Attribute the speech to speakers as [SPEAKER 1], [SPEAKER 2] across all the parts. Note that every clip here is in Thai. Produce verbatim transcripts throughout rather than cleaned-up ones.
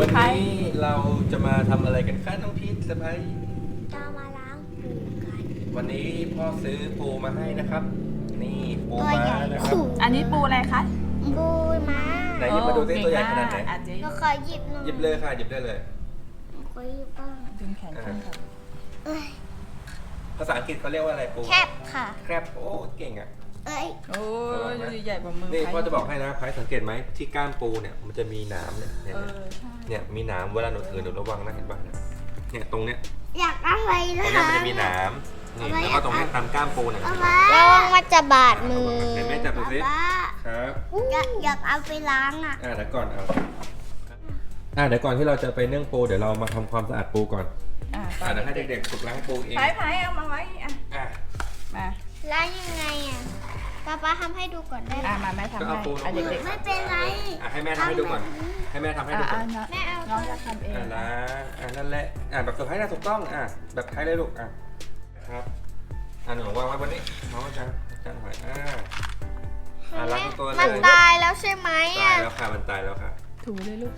[SPEAKER 1] วันนี้เราจะมาทำอะไรกันคะน้องพีทสะพ้าย
[SPEAKER 2] จะมาล้างปูกัน
[SPEAKER 1] วันนี้พ่อซื้อปูมาให้นะครับ นี่ปูม้านะครับ
[SPEAKER 3] อันนี้ปูอะไรคะ
[SPEAKER 2] ปูม้า
[SPEAKER 1] ไหนหยิบมาดูสิตัวใหญ่ขนาดไหน
[SPEAKER 3] อ่ะเจ๊
[SPEAKER 2] เราขอหยิบหน่อย
[SPEAKER 1] หยิบเลยค่ะหยิบได้เลย
[SPEAKER 2] ขอหยิบบ้าง
[SPEAKER 3] ดึงแขนขึ้นค่ะ
[SPEAKER 2] เอ้ย
[SPEAKER 1] ภาษาอังกฤษเขาเรียกว่าอะไรปู
[SPEAKER 2] แคบค่ะ
[SPEAKER 1] แครบโอ้เก่งอ่ะ
[SPEAKER 2] เอ้ย
[SPEAKER 3] โอ้ยใหญ่กว่ามือ
[SPEAKER 1] นี่พ่อจะบอกให้นะพายสังเกตไหมที่ก้ามปูเนี่ยมันจะมีหนามเนี่ยเนี่ย
[SPEAKER 3] เออใช่
[SPEAKER 1] เนี่ยมีหนามเวลาหนูถือหนูระวังนะเห็นป่ะเนี่ยเนี่ยตรงเนี้ย
[SPEAKER 2] อยากอะไร
[SPEAKER 1] ต
[SPEAKER 2] นะ
[SPEAKER 1] รงเนี้ยมันจะมีหนามนี่แล้วก็ตรงเนี้ยตามก้ามปูเนี่ย
[SPEAKER 2] ระวังว่าจะบาดมือ
[SPEAKER 1] เห็นไหมจับดูสิ
[SPEAKER 2] ป้า
[SPEAKER 1] ครับ
[SPEAKER 2] อยากอยากเอาไปล้างอ่ะ
[SPEAKER 1] อ่าเดี๋ยวก่อนเอาอ่าเดี๋ยวก่อนที่เราจะไปนึ่งปูเดี๋ยวเรามาทำความสะอาดปูก่อน
[SPEAKER 3] อ่ะ
[SPEAKER 1] อ่าเดี๋ยวให้เด็กๆฝึกล้างปูเอง
[SPEAKER 3] พายพายเอามาไว้อ่ะ
[SPEAKER 1] อ่ะ
[SPEAKER 3] มา
[SPEAKER 2] ล้างยังไงอ่ะป้าป้าทำให้ดูก่อนได้ไหม
[SPEAKER 3] อ่ะมาแม่ทำให้อ่ะเด็กๆ
[SPEAKER 2] ไม่เป็นไร
[SPEAKER 1] อ่ะให้แม่ทำให้ดูก่อนให้แม่ทำให้
[SPEAKER 3] อ่ะ
[SPEAKER 1] ดูก่
[SPEAKER 3] อ่ะ
[SPEAKER 1] อน
[SPEAKER 3] น้อง
[SPEAKER 2] แม่เอา
[SPEAKER 3] น้องจะทำเอง
[SPEAKER 1] อ่าล้างอ่านั่นแหละอ่าแบบสุดท้ายนะถูกต้องอ่าแบบไทยเลยลูกอ่ะครับอ่าหนูวางไว้บนนี้น้องจะจะหน่อยอ่าอ่าล้างทุกตัวเลย
[SPEAKER 2] มันตายแล้วใช่ไหม
[SPEAKER 1] ตาย
[SPEAKER 2] อ่ะ
[SPEAKER 1] แล้วค่ะมันตายแล้วค่ะ
[SPEAKER 3] ถูเลยลูก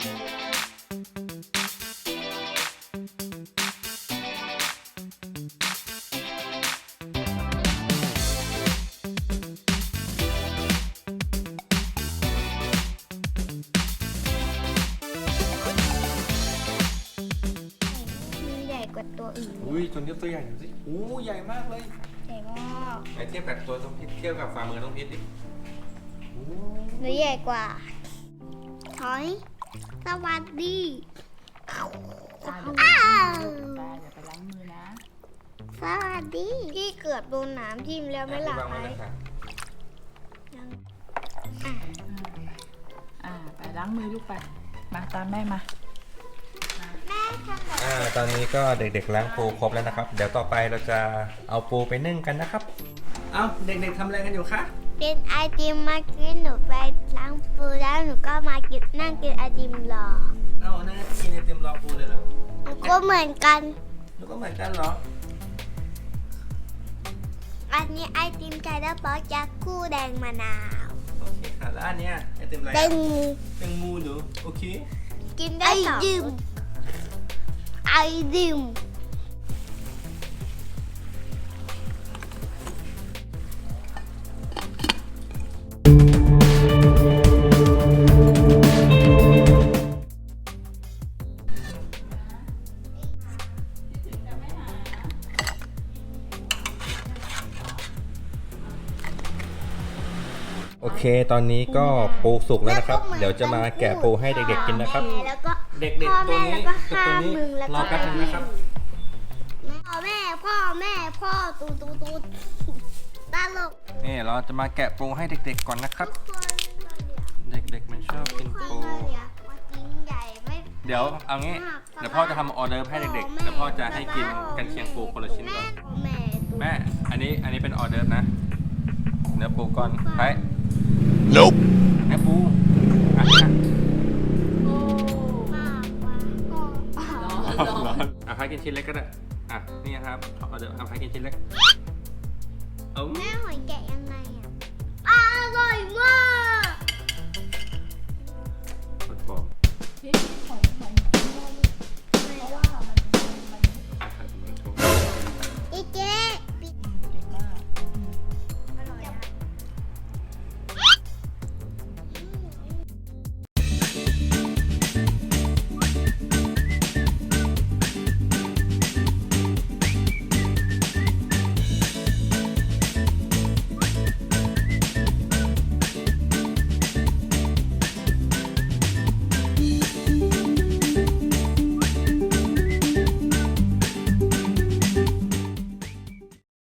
[SPEAKER 2] มันใหญ่กว่าตัวอื่น
[SPEAKER 1] อุ้ยจนเทียบตัวใหญ่หน่อยสิอู้ใหญ่มากเลย
[SPEAKER 2] ใหญ่มาก
[SPEAKER 1] ไหนเทียบกับตัวต้องพิษเทียบกับฝ่ามือต้องพิษดิอู้
[SPEAKER 2] หรือใหญ่กว่าถอย สวัสดี
[SPEAKER 3] อ่ะเดี๋ยว
[SPEAKER 2] อ้าว
[SPEAKER 3] ตาอย่าไปล้างมือนะ
[SPEAKER 2] สวัสดี พี่เกือบโดนหนามทิ่มแล้วไม่หลับ
[SPEAKER 1] วาง
[SPEAKER 2] ไหม
[SPEAKER 1] ไว้เลยค่ะ
[SPEAKER 2] ยัง
[SPEAKER 3] อ่าไปล้างมือลูกไปมาตามแม่มา
[SPEAKER 2] แม่ทำแบบ
[SPEAKER 1] อ่าตอนนี้ก็เด็กๆล้างปูครบแล้วนะครับ เดี๋ยวต่อไปเราจะเอาปูไปนึ่งกันนะครับ เอ้าเด็กๆทำอะไรกันอยู่คะ
[SPEAKER 2] เป็นไอติมมากินหนูไปล้างปูแล้วหนูก็มากินนั่งกินไอติมรอ
[SPEAKER 1] เอ้านั่งกินไอติมรอปูเลยเหรอ
[SPEAKER 2] หนูก็เหมือนกัน
[SPEAKER 1] หนูก็เหมือนกันเหรอ
[SPEAKER 2] อันนี้ไอติมไก่แล้วป๊อกจากคู่แดงมะนาว
[SPEAKER 1] โอเคค่ะแล้วอันเนี้ยไอติมอะไร
[SPEAKER 2] แต
[SPEAKER 1] อ่ะ
[SPEAKER 2] งโม
[SPEAKER 1] แตงโมเหรอโอเค
[SPEAKER 2] กินได้สองไอติม
[SPEAKER 1] โอเค ตอนนี้ก็ปูสุกแล้วนะครับ เดี๋ยวจะมาแกะปูให้เด็กๆกินนะครับ
[SPEAKER 2] แล้วก็
[SPEAKER 1] เด็กๆตัวนี้กับตัวนี้รอแป๊บนึงนะครับ
[SPEAKER 2] พ่อแม่พ่อแม่พ่อตูตูตูตลก
[SPEAKER 1] นี่เราจะมาแกะปูให้เด็กๆก่อนนะครับ เด็กๆมันชอบกินปู
[SPEAKER 2] กินใหญ่ไม่
[SPEAKER 1] เดี๋ยวเอางี้ เดี๋ยวพ่อจะทำออเดอร์ให้เด็กๆ เดี๋ยวพ่อจะให้กินกันเชียงปูคนละชิ้นก่อน
[SPEAKER 2] แม่ตู
[SPEAKER 1] แม่ อันนี้อันนี้เป็นออเดอร์นะ เนื้อปูก่อนไป
[SPEAKER 4] Nope.
[SPEAKER 1] เนื้อปูอ่ะอ่ะ
[SPEAKER 2] มากกว่าพ่อ
[SPEAKER 1] ร้อนอ่ะพายกินชิ้นเล็กก็ได้ อ่ะ นี่ครับออเดอร์อ่ะพายกินชิ้นเล็กเอา
[SPEAKER 2] แม่หอยแกะยัง